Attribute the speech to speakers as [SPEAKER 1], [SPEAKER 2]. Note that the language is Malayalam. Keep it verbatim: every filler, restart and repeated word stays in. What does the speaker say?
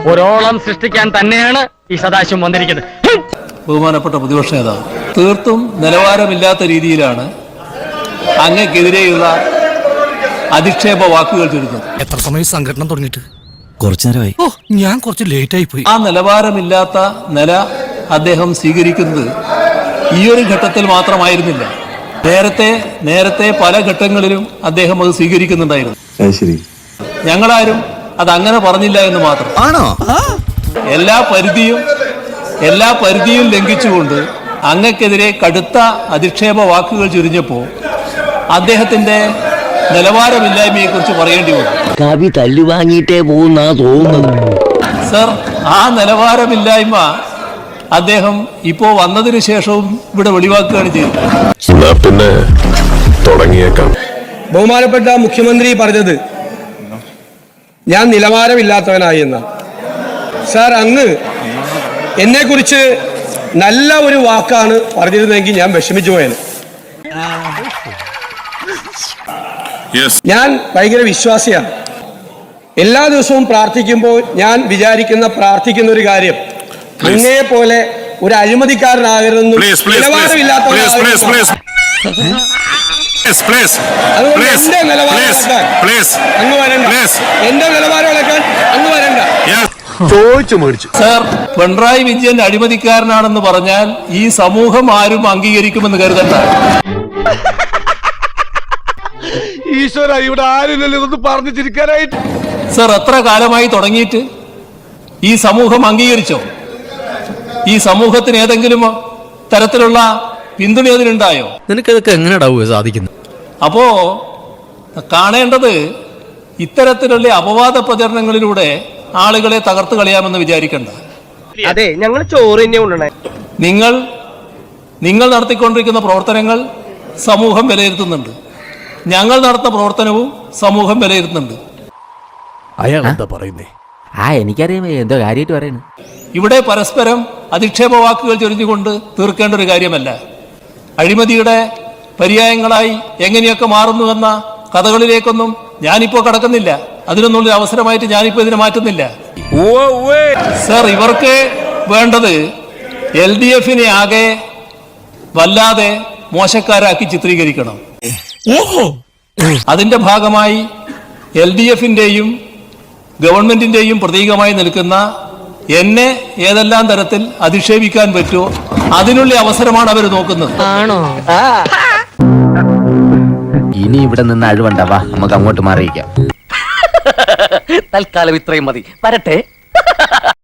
[SPEAKER 1] ഒരോളം സൃഷ്ടിക്കാൻ തന്നെയാണ് ഈ സദാശിവം വന്നിരിക്കുന്നത്.
[SPEAKER 2] ബഹുമാനപ്പെട്ട പ്രതിപക്ഷ നേതാവ്, തീർത്തും നിലവാരമില്ലാത്ത രീതിയിലാണ് അങ്ങക്കെതിരെയുള്ള അധിക്ഷേപ വാക്കുകൾ ചുരുക്കുന്നത്.
[SPEAKER 3] എത്ര സമയം സംഘടന തുടങ്ങിയിട്ട്?
[SPEAKER 4] കുറച്ചു നേരമായി.
[SPEAKER 3] ഓ, ഞാൻ കുറച്ച് ലേറ്റ് ആയി പോയി.
[SPEAKER 2] ആ നിലവാരമില്ലാത്ത നില അദ്ദേഹം സ്വീകരിക്കുന്നത് ഈ ഒരു ഘട്ടത്തിൽ മാത്രമായിരുന്നില്ല. നേരത്തെ നേരത്തെ പല ഘട്ടങ്ങളിലും അദ്ദേഹം അത് സ്വീകരിക്കുന്നുണ്ടായിരുന്നു. ഞങ്ങളാരും അത് അങ്ങനെ പറഞ്ഞില്ല എന്ന് മാത്രം.
[SPEAKER 4] ആണോ?
[SPEAKER 2] എല്ലാ പരിധിയും എല്ലാ പരിധിയും ലംഘിച്ചുകൊണ്ട് അങ്ങക്കെതിരെ കടുത്ത അധിക്ഷേപ വാക്കുകൾ ചുരിഞ്ഞപ്പോൾ അദ്ദേഹത്തിന്റെ നിലവാരമില്ലായ്മയെ കുറിച്ച് പറയേണ്ടി വന്നു.
[SPEAKER 5] കവി തല്ലു വാങ്ങിയിട്ടേ പോകുന്നാ തോന്നുന്നത്.
[SPEAKER 2] സർ, ആ നിലവാരമില്ലായ്മ അദ്ദേഹം ഇപ്പോ വന്നതിന് ശേഷവും ഇവിടെ വെളിവാക്കുകയാണ് ചെയ്തത്.
[SPEAKER 6] പിന്നെ തുടങ്ങിയേക്കാം.
[SPEAKER 7] ബഹുമാനപ്പെട്ട മുഖ്യമന്ത്രി പറഞ്ഞത് ഞാൻ നിലവാരമില്ലാത്തവനായി എന്നാണ്. സാർ, അങ്ങ് എന്നെ കുറിച്ച് നല്ല ഒരു വാക്കാണ് പറഞ്ഞിരുന്നെങ്കിൽ ഞാൻ വിഷമിച്ചു പോയത്. ഞാൻ ഭയങ്കര വിശ്വാസിയാണ്. എല്ലാ ദിവസവും പ്രാർത്ഥിക്കുമ്പോൾ ഞാൻ വിചാരിക്കുന്ന പ്രാർത്ഥിക്കുന്ന ഒരു കാര്യം, അങ്ങയെ പോലെ ഒരു അഴിമതിക്കാരനാകരുതെന്നും നിലവാരമില്ലാത്തവനാകരുതെന്നും. അതുകൊണ്ട് എന്റെ നിലവാരം ഇളക്കാൻ അങ്ങ് വരണ്ട. എന്റെ നിലവാരം ഇളക്കാൻ അങ്ങ് വരണ്ട.
[SPEAKER 6] ചോദിച്ചു മേടിച്ചു.
[SPEAKER 2] സർ, പിണറായി വിജയൻ അഴിമതിക്കാരനാണെന്ന് പറഞ്ഞാൽ ഈ സമൂഹം ആരും അംഗീകരിക്കുമെന്ന് കരുതണ്ട.
[SPEAKER 6] ഈശ്വര, ഇവിടെ ആരില്ലല്ലോ ഇതൊന്ന് പറഞ്ഞു ചിരിക്കാനായിട്ട്.
[SPEAKER 2] സർ, എത്ര കാലമായി തുടങ്ങിയിട്ട് ഈ സമൂഹം അംഗീകരിച്ചോ? ഈ സമൂഹത്തിന് ഏതെങ്കിലും തരത്തിലുള്ള പിന്തുണ അതിനുണ്ടായോ?
[SPEAKER 4] നിനക്കതൊക്കെ എങ്ങനെയാ സാധിക്കുന്നത്?
[SPEAKER 2] അപ്പോ കാണേണ്ടത് ഇത്തരത്തിലുള്ള അപവാദ പ്രചരണങ്ങളിലൂടെ ആളുകളെ തകർത്ത് കളയാമെന്ന് വിചാരിക്കണ്ട.
[SPEAKER 1] അതെ, ഞങ്ങൾ ചോറ് തന്നെ കൊണ്ടുവന്നേ.
[SPEAKER 2] നിങ്ങൾ നിങ്ങൾ നടത്തിക്കൊണ്ടിരിക്കുന്ന പ്രവർത്തനങ്ങൾ സമൂഹം വിലയിരുത്തുന്നുണ്ട്. ഞങ്ങൾ നടത്തുന്ന പ്രവർത്തനവും സമൂഹം വിലയിരുത്തുന്നുണ്ട്.
[SPEAKER 4] അയാൾ എന്താ പറയുന്നേ?
[SPEAKER 5] ആ എനിക്കറിയാം എന്തോ കാര്യമായിട്ട് പറയുന്നു.
[SPEAKER 2] ഇവിടെ പരസ്പരം അധിക്ഷേപ വാക്കുകൾ ചൊരിഞ്ഞുകൊണ്ട് തീർക്കേണ്ട ഒരു കാര്യമല്ല. അഴിമതിയുടെ പര്യായങ്ങളായി എങ്ങനെയൊക്കെ മാറുന്നുവെന്ന കഥകളിലേക്കൊന്നും ഞാനിപ്പോ കടക്കുന്നില്ല. അതിനൊന്നും ഒരു അവസരമായിട്ട് ഞാനിപ്പോ ഇതിനെ മാറ്റുന്നില്ല. സർ, ഇവർക്ക് വേണ്ടത് എൽ ഡി എഫിനെ ആകെ വല്ലാതെ മോശക്കാരാക്കി ചിത്രീകരിക്കണം. അതിന്റെ ഭാഗമായി എൽ ഡി എഫിന്റെയും ഗവൺമെന്റിന്റെയും പ്രതീകമായി നിൽക്കുന്ന എന്നെ ഏതെല്ലാം തരത്തിൽ അധിക്ഷേപിക്കാൻ പറ്റുമോ അതിനുള്ള അവസരമാണ് അവർ നോക്കുന്നത്.
[SPEAKER 5] ഇനി ഇവിടെ നിന്ന് അഴിവണ്ടാവാ, നമുക്ക് അങ്ങോട്ട് മാറിയിക്കാം.
[SPEAKER 1] തൽക്കാലം ഇത്രയും മതി. വരട്ടെ.